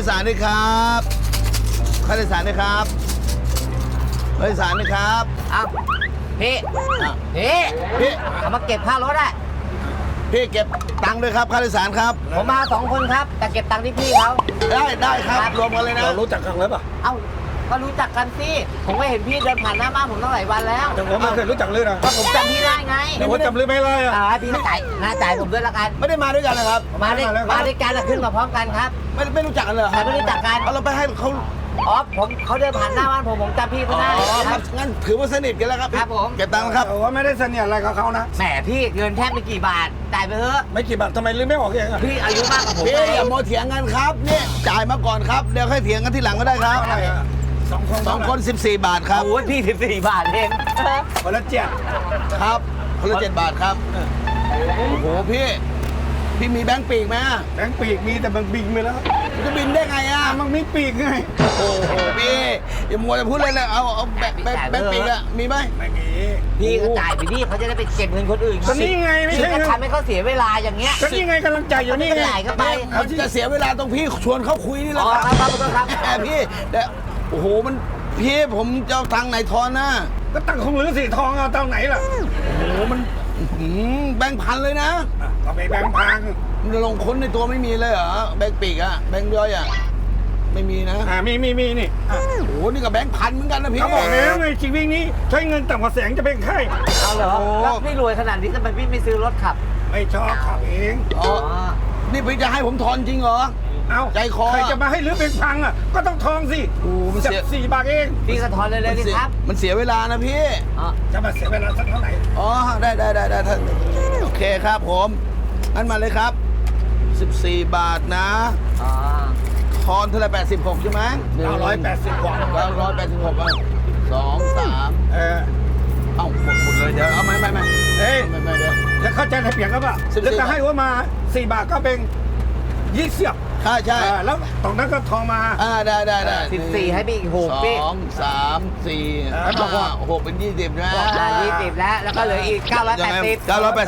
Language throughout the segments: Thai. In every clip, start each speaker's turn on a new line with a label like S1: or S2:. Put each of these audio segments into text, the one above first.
S1: สารด้วยครับค่าโดยสารด้วยครับค่าโดยสารด้วยครับ
S2: เอาพี่
S1: อ่ะ
S2: พี่
S1: พี่
S2: เอามาเก็บค่ารถอะ
S1: พี่เก็บตังค์ด้วยครับค่าโดยสารครับ
S2: ผมมา2 คนครับ แต่เก็บตังค์ที่พี่เขา
S1: ได้ครับรวมกันเลยนะ
S3: เรารู้จักกันแล้วป่ะ
S2: เอ้าก็รู้จักกันสิผมก็เห็นพี่เดินผ่านหน้าบ้านผมตั้งหลายวันแล้ว
S3: แต่ผมไม่เคยรู้จักเลยนะ
S2: ก็ผมจำพี่ได้ไง
S3: แต่ว่าจำเลยไม่ได้อะ
S2: พี่จ่ายผมด้วยละกัน
S1: ไม่ได้มาด้วยกันนะครับ
S2: มาด้วยกันอะขึ้นมาพร้อมกันครับ
S1: ไม่รู้จักกันเลยเหรอ
S2: ไม่รู้จักกัน
S1: เอาเราไปให้เขา
S2: อ๋อเขาเดินผ่านหน้าบ้านผมจำพี่เขาได้
S1: ครับงั้นถือว่าสนิทกันแล้วครับ
S2: ครับผม
S1: เก็บตังค์แล้วครับ
S3: แต่ว่าไม่ได้เสนียดอะไรกับเขานะ
S2: แหมพี่เงินแทบไม่กี่บาทจ่ายไปเถอะ
S3: ไม่กี่บาททำไมลืมไม่ออกเองอะ
S2: พี่อายุมากกว่าผม
S1: พี่
S2: ไง
S1: อย่าโมเถียงกันครับนี่จ่ายมาก่อนครับเดี๋ยวค่อยเถียงกันทีหลังก็ได้ครับ
S3: อะไรอะ2 คน
S1: สองคน14 บาทครับ
S2: โอ้ยพี่14 บาทเอง
S3: คนละเจ็ด
S1: ครับคนละ7 บาทครับโอ้โหพี่มีแบงค์ปีกไหม
S3: แบงค์ปีกมีแต่มันบินไปแล้ว
S1: มันจะบินได้ไงอ่ะ
S3: มันมีปีกไง
S1: โอ้โหพี่อย่ามัวแต่พูดเลยเลยเอาแบงค์ปีกอะมีไหม
S3: ไม่มี
S2: พี่ก็จ่ายไปดิเขาจะได้ไปเก็บเงินคนอื่น
S3: ก็นี่ไงไม่
S2: พี่
S3: ใช่
S2: ก็
S3: ไง
S2: ทำให้เขาเสียเวลาอย่างเงี้ย
S3: ก็นี่ไงกำลังใจอยู่นี่ไง
S2: จ่ายก็ไป
S1: มันจะเสียเวลาตรงพี่ชวนเขาคุยนี่แห
S2: อ๋
S1: ละ
S2: อ
S1: ครับ
S2: ครับ
S1: แหมพี่แต่โอ้โหมันพี่ผมจะเอาตังค์ไหนทอนนะ
S3: ก็ตั้งของหรือสีทองเอาตอนไหนล่ะ
S1: โอ้โหมันแบงค์พันเลยนะ
S3: ก็ไปแบงค์พัง
S1: มันลงค้นในตัวไม่มีเลยเหรอแบงค์ปีกอะแบงค์ย่อยอะไม่มีนะ
S3: มีนี่
S1: โอ้โหนี่ก็แบงค์พันเหมือนกันนะพี่
S3: เขาบอกแล้วไงชีวิตนี้ใช้เงินต่ำกว่าแสนจะเป็นไข้
S2: เอาเหรอ
S1: โอ้
S2: แล้วพี่รวยขนาดนี้ทำไมพี่ไม่ซื้อรถขับ
S3: ไม่ชอบขับเอง
S1: อ๋อนี่พี่จะให้ผมทอนจริงเหรอ
S3: เอ้า
S1: ใจคอ
S3: ใครจะมาให้รื้อเป็นพังอ่ะก็ต้องทองสิ
S1: โอ้มัน
S3: จั
S1: เสีย
S3: บ4 บาทเอง
S2: พี่ก็ทอนเลยดิครับ
S1: มันเสียเวลานะพี่
S2: อ๋อ
S3: จะมาเสียเวลาสักเท่าไหร่
S1: อ๋อได้ท่านโอเคครับผมงั้นมาเลยครับ14 บาทนะ
S2: อ๋อ
S1: ทอนเท่าไหร่86ใช่ไหม
S3: 980 กว่า
S1: 986อ่ะ2 3 เอ้าหมดเลยเดี๋ยวเอาไม่
S3: เฮ้ย
S1: ไม่เดี๋ยว
S3: แล้วเข้าใจในเปลี่ยนก็ป่ะ
S1: 14
S3: แล้วจะให้ว่ามา4 บาทก็เป็น20
S1: ใช่
S3: แล้วตรงนั้นก็ทองมา
S1: ได้
S2: 14ให้พี่อีก6พี่
S1: 2 3 4
S3: ให้บอกว่า
S1: 6เป็น20นะ
S2: 20แล้วแล้วก็เหลืออีก980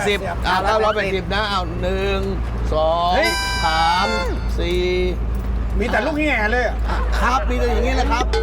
S1: 980980นะเอา1
S3: เฮ้ย
S1: 2 3 4
S3: มีแต่ลูกแง่เลยอะ
S1: ครับมีแต่อย่างนี้แหละครับ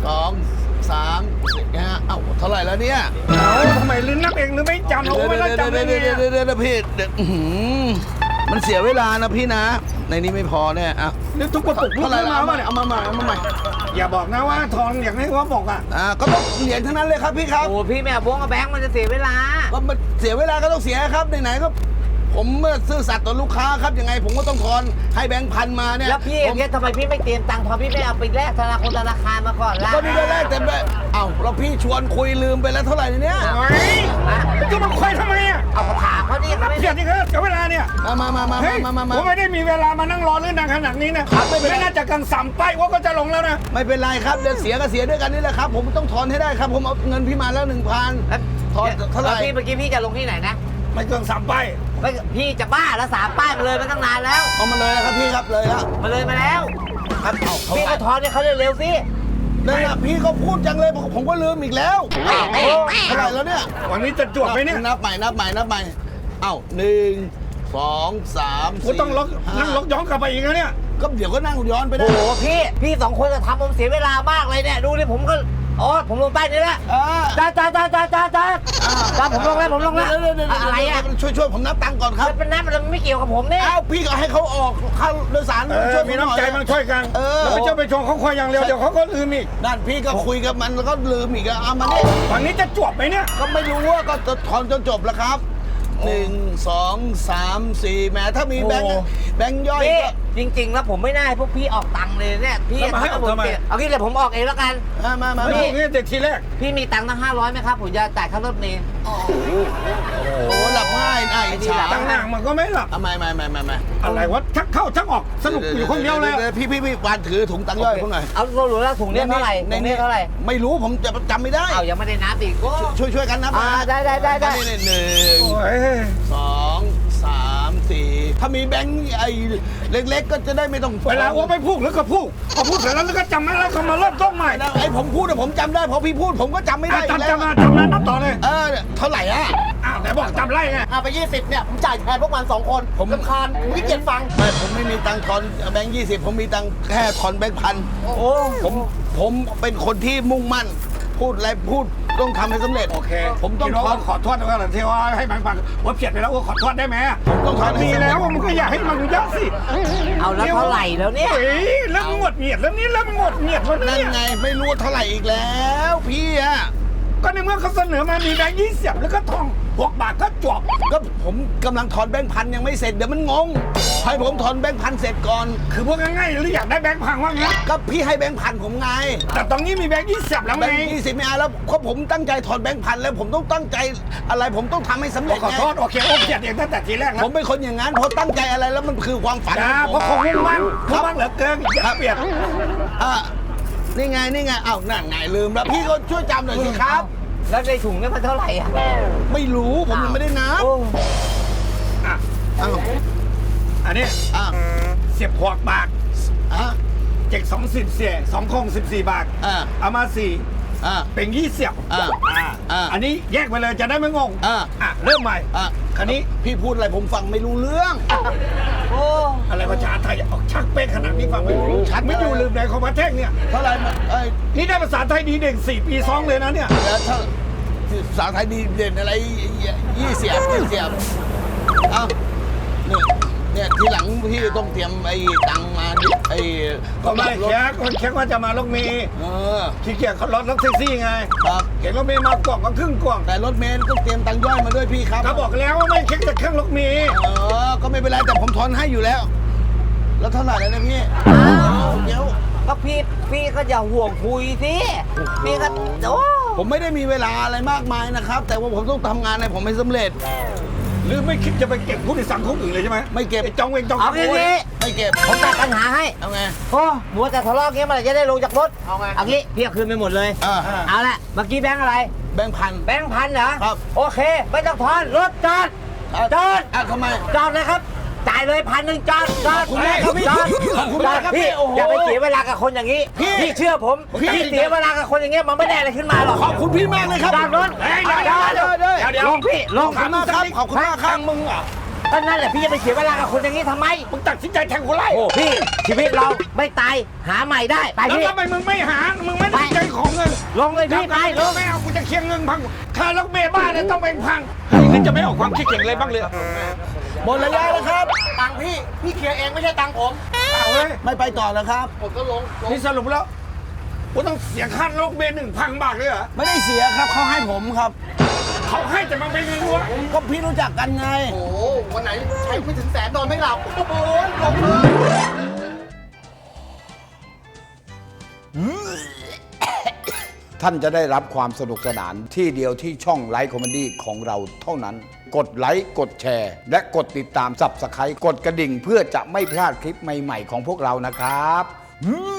S1: 2 3 4นะฮะเอ้าเท่าไหร่แล้วเนี่ย
S3: เอาทำไมลืมนับเองหรือไม่จำเอาไม่ได้จำเลยเนี่ย
S1: เดี๋ยวพี่มันเสียเวลานะพี่นะ ในนี้ไม่พอเนี่ยอ่ะ
S3: นึกทุกกระปุกลู
S1: เท่ากไหร่
S3: มา
S1: เอา
S3: ว่า
S1: มา
S3: เนี่ย
S1: เอามาใหม่เอามาใหม่
S3: อย่าบอกนะว่าทองอย่างนี้ว่าบอกอ่ะ
S1: ก็ต้องเหรียญทั้งนั้นเลยครับพี่ครับ
S2: โอ้พี่ไม่เอาบ้งกับแบงค์มันจะเสียเวลา
S1: ก็มันเสียเวลาก็ต้องเสียครับไหนๆก็ผมเมื่อซื่อสัตย์ต่อลูกค้าครับยังไงผมก็ต้องทอนให้แบงค์พันมาเนี่ย
S2: แล้วพี่อย่างเงี้ยทำไมพี่ไม่เตรียมตังค์พอพี่ไม่เอาไปแลกธนาคารมาก่อนล่ะ
S1: ก็นี่ได้แรกเต็มเลยเอ้าเราพี่ชวนคุยลืมไปแล้วเท่าไหร่เนี่ย
S3: เฮ้ยจะมาคุยทำไมอ่ะ
S2: เอาถามเขาดิเขาไม่
S3: เพียรนี่ก็เสียเวลาเนี่ย
S1: มา
S3: เฮ้ยผมไม่ได้มีเวลามานั่งรอเรื่องนานขนาดนี้นะครับ
S1: ไม่เป็นไร
S3: ไม่น่าจะกังสัมป้ายว่าก็จะลงแล้วนะ
S1: ไม่เป็นไรครับเดี๋ยวเสียก็เสียด้วยกันนี่แหละครับ ผมต้องถอนให้ได้ครับ ผมเอาเงินพี่มาแล้ว 1,000 ถอนเท่าไหร่
S2: แล้วพี่เมื่อกี้พี่จะลงที่ไหนนะ
S3: ไม่เกิน3 ป้าย
S2: ไม่พี่จะบ้าแล้ว3 ป้ายมาเลยมาตั้งนานแล้ว
S1: เอามาเลยนะครับพี่ครับเลยแล้ว
S2: มาเลยมาแล้ว
S1: ครับเอาเขา
S2: พี่ก็ทอนให้เขาเร็วๆสิ
S1: นั่นแหละพี่ก็พูดจังเลยผมก็ลืมอีกแล้วเท่าไหร่แล้วเนี่ย
S3: วันนี้จะจวดไหมเนี่ย
S1: นับใหม่เอ้า1 2 3
S3: กูต้องนั่งล็อกย้อนกลับไปอีกนะเนี่ย
S1: ก็เดี๋ยวก็นั่งย้อนไปได้
S2: โอ้โหพี่2 คนจะทำผมเสียเวลามากเลยเนี่ยดูดิผมก็อ๋อผมลงป้ายนี้แล้วจ้าผมลงแล้วอะไรอ่ะ
S1: ช่วยผมนับตังค์ก่อนครับ
S2: มันเป็นน้ำมันไม่เกี่ยวกับผมเนี่ย
S1: เอ้าพี่ก็ให้เขาออกค่าโดยสารช่วย
S3: มีน้ำใจมันช่วยกัน แล้วไม่ใช่ไปชงเขาคอยอย่างเดียวเดี๋ยวเขาก็ลืมอีก
S1: นั่นพี่ก็คุยกับมันแล้วก็ลืมอีกเอามาเนี่ย
S3: วันนี้จะจวบไหมเนี่ย
S1: ก็ไม่รู้ว่าก็ถอนจนจบแล้วครับ1 2 3 4แหมถ้ามีแบงค์ย่อย
S2: พี่
S1: ก็
S2: จริงๆแล้วผมไม่ได้พวกพี่ออกตังค์เลยเนี่ยพี่
S3: แล้วมาให้ออกทำไม
S2: เอางี้เลยผมออกเองแล้วกัน
S1: มา
S3: ไม่
S1: พี่
S3: ถูกเนี่ยแต่ทีแรก
S2: พี่มีตังค์ตั้ง500ไหมครับผมจะจ่ายค่ารถเมล์
S1: โอ้หลับง่ายอิจฉา
S3: ตั้งหน้ามันก็ไม่หลับ
S1: ไม่
S3: อะไรวะชักเข้าชักออกสนุกอยู่คนเดียวเลย
S1: พี่วานถือถุงตังค์ย่อยพวกหน่อย
S2: เอาหรูแล้วถุงเนี่ยเท่าไหร่ถุงเนี่ยเท่าไหร่
S1: ไม่รู้ผมจะจำไม่ได้
S2: เอายังไม่ได้นับอีกโอ้
S1: ช่วยกันนับ
S2: ได้
S1: นี่
S3: โอ้ย
S1: 1 2 3 4ถ้ามีแบงค์ไอ้เล็กๆก็จะได้ไม่ต้อง
S3: เวลาว่าไม่พูดหรือก็พูดพอพูดเสร็จแล้วก็จำไม่ได้ก็มาเริ่มต้นใหม่
S1: ไอ้ผมพูดอะผมจำได้พอพี่พูดผมก็จำไม่ได้อีกแล้ว
S3: จำได้นับต่อเลย
S1: เท่าไหร่อะ
S3: อ้าวแต่บอกจำไรไง
S2: ไป20เนี่ยผมจ่ายแทนพวกมัน2 คนผมรำคาญผมขี้เกียจฟัง
S1: ไม่ผมไม่มีตังค์ทอนแบงค์20ผมมีตังค์แค่ทอนแบงค์พัน
S2: โอ้
S1: ผมเป็นคนที่มุ่งมั่น พูดอะไรพูดต้องทำให้สำเร็จ
S3: โอเค
S1: ผมต้องทอน
S3: ขอโทษด้วยกันที่ว่าให้มันฟังว่าเพียดไปแล้วว่าขอโทษได้ไหม
S1: ผมต้องทอนให้
S3: มี
S1: สำเร็จ
S3: แล้วมันก็อยากให้มันเยอะสิ
S2: เอาแล้วเท่าไหร่แล้วเนี่ย
S3: เฮ้ยเริ่มหงดเหงียดแล้วนี่เริ่มหงดเหงียดแล้ว
S1: นั่น
S3: เนี่ย
S1: ไงไม่รู้ว่าเท่าไหร่อีกแล้วพี่อะ
S3: ก็ในเมื่อเขาเสนอมามีแบงค์20แล้วก็ทอง6 บาทก็จบ
S1: ก็ผมกำลังถอนแบงค์พันยังไม่เสร็จเดี๋ยวมันงงให้ผมถอนแบงค์พันเสร็จก่อน
S3: คือพวกง่ายๆหรืออยากได้แบงค์พังว่างั้น
S1: ก็พี่ให้แบงค์พันผมไง
S3: แต่ตรงนี้มีแบงค์20แล้ว
S1: แบ
S3: ไง
S1: งค์20ไม่เอาแล้วเพราะผมตั้งใจถอนแบงค์พันแล้วผมต้องตั้งใจอะไรผมต้องทำให้สำเร็จ
S3: ขอ
S1: ไง
S3: โทษโอเคโอเคเองตั้งแต่ทีแรก
S1: ผ
S3: แล้ว
S1: มเป็นคนอย่างนั้นพอตั้งใจอะไรแล้วมันคือความฝัน
S3: นะ
S1: ของ
S3: เพ
S1: ผม
S3: ราะเขามุ่งมั่นเหลือเกินอย่าเปลี่ยน
S1: อ่ะนี่ไงอ้าวนั่นไงลืมแล้วพี่ก็ช่วยจำหน่อยสิครับ
S2: แล้วในถุงเนี่ยมันเท่าไหร่อ่ะ
S1: ไม่รู้ผมยังไม่ได้นับ
S2: โอ้
S3: อ่ะ
S1: อ้าว
S3: อันนี้
S1: อ้าว
S3: เสียบ6 บาท
S1: อ่ะ
S3: เจ็ก20เสีย2 คง14 บาท
S1: อ่ะ
S3: เอามา4
S1: อ่ะ
S3: เป็น20 อันนี้แยกไปเลยจะได้ไม่งง เริ่มใหม่
S1: อ่ะ
S3: คันนี้
S1: พี่พูดอะไรผมฟังไม่รู้เรื่อง
S2: โอ้
S3: อะไรภาษาไทยออกชักเป๊ะขนาดนี้ฟังไม่รู้ชัดไม่อยู่ลืมไหนของประเทศเนี่ย
S1: เท่าไหร่มา
S3: นี่ได้ภาษาไทยดีเด่น4 ปีซ้อนเลยนะเนี่ย
S1: แล้วถ้าภาษาไทยดีเด่นอะไร20อ้าวเนี่ยทีหลังพี่ต้องเตรียมไอ้ตังค์มาไอ้
S3: ก็ไม่
S1: รถ
S3: แค่ว่าจะมาลกเมย์
S1: เออ
S3: ขี้เกียจเขารถแท็กซี่ไง
S1: ครับ
S3: เห็นรถเมย์มากล่องก็ครึ่งกล่อง
S1: แต่รถเมล์ต้องเตรียมตังค์ย่อยมาด้วยพี่ครับ
S3: เขาบอกแล้วว่าไม่เช็คแต่เครื่องรถเมย์
S1: ก็ไม่เป็นไรแต่ผมทอนให้อยู่แล้ว แล้วเท่าไหร่แล้วนะพี่เดี๋ยว
S2: ก็พี่ก็อย่าห่วงคุยสิพี่ก็โอ้
S1: ผมไม่ได้มีเวลาอะไรมากมายนะครับ แต่ว่าผมต้องทำงานให้ผมให้สำเร็จ
S3: หรือไม่คิดจะไปเก็บผู้โดยสารคนอื่นเลยใช่ไหม
S1: ไม่เก็บ
S3: ไอ้จองเวงจอง
S2: เอาอย่างนี้
S1: ไม่เก็บ
S2: ผมตัดปัญหาให้
S1: เอาไง
S2: โอ้มัวแต่ทะเลาะเงี้ยเมื่อไหร่จะได้ลงจากรถเอางี้พี่เอาคืนไปหมดเลย เอาละเมื่อกี้แบงค์อะไร
S1: แบงค์พัน
S2: แบงค์พันเหรอ
S1: ครับ
S2: โอเคไม่ต้องทอนรถจอดจอด
S1: ทำไม
S2: จอดเลยครับจ่ายเลย1,000จอดจอด
S1: ขอบคุณมากครับพี่
S2: จอด
S1: ขอบคุณมากครับพี่
S2: พี่
S1: โอ้โห
S2: อย่าไปเสียเวลากับคนอย่างนี้
S1: พี่
S2: เชื่อผม
S1: พี่
S2: พี่เสียเวลากับคนอย่างเงี้ยมันไม่ได้อะไรขึ้นมาหรอก
S1: ขอบคุณพี่มากเลยครับ
S2: จอดรถ
S3: เฮ้ย
S2: จอด
S3: เดี๋ยว
S2: ลงพี่ลง
S1: ขอบคุณมากครับขอบคุณมากครับ
S3: มึงอ่ะ
S2: ก็นั่นแหละพี่จะไปเสียเวลากับคนอย่างนี้ทำไม
S3: มึงตัดสินใจแทงกูไล่
S2: โอ้พี่ชีวิตเราไม่ตายหาใหม่ได้ไป
S3: แล้ว
S2: พี่
S3: ทำไมมึงไม่หา มึงไม่ได้ใจของเงิน
S2: ลงเลยพี่ไปลง
S3: ไม่เอากูจะเคลียร์เงินพังค่ารถเมล์บ้านเนี่ยต้องเป็นพังนี่จะไม่ออกความคิดเห็นอะไรบ้างเลย
S1: หมดระยะแล้วครับ
S2: ตังค์พี่เคลียร์เองไม่ใช่ตังค์ผม
S3: เอาเลย
S1: ไม่ไปต่อแล้วครับ
S3: นี่สรุปแล้วกูต้องเสียค่ารถเมล์1,000 บาทเลยเหรอ
S1: ไม่ได้เสียครับเขาให้ผมครับ
S3: เขาให้แต่มันเป็นเงินรั้ว
S1: ก็พี่รู้จักกันไง
S2: โอ้วันไหนใช้ไม่ถึงแสนนอนไม่หลับโอ้โหลงเลย
S4: ท่านจะได้รับความสนุกสนานที่เดียวที่ช่องไลฟ์คอมเมดี้ของเราเท่านั้น กดไลค์กดแชร์ และกดติดตามSubscribeกดกระดิ่งเพื่อจะไม่พลาดคลิปใหม่ๆของพวกเรานะครับ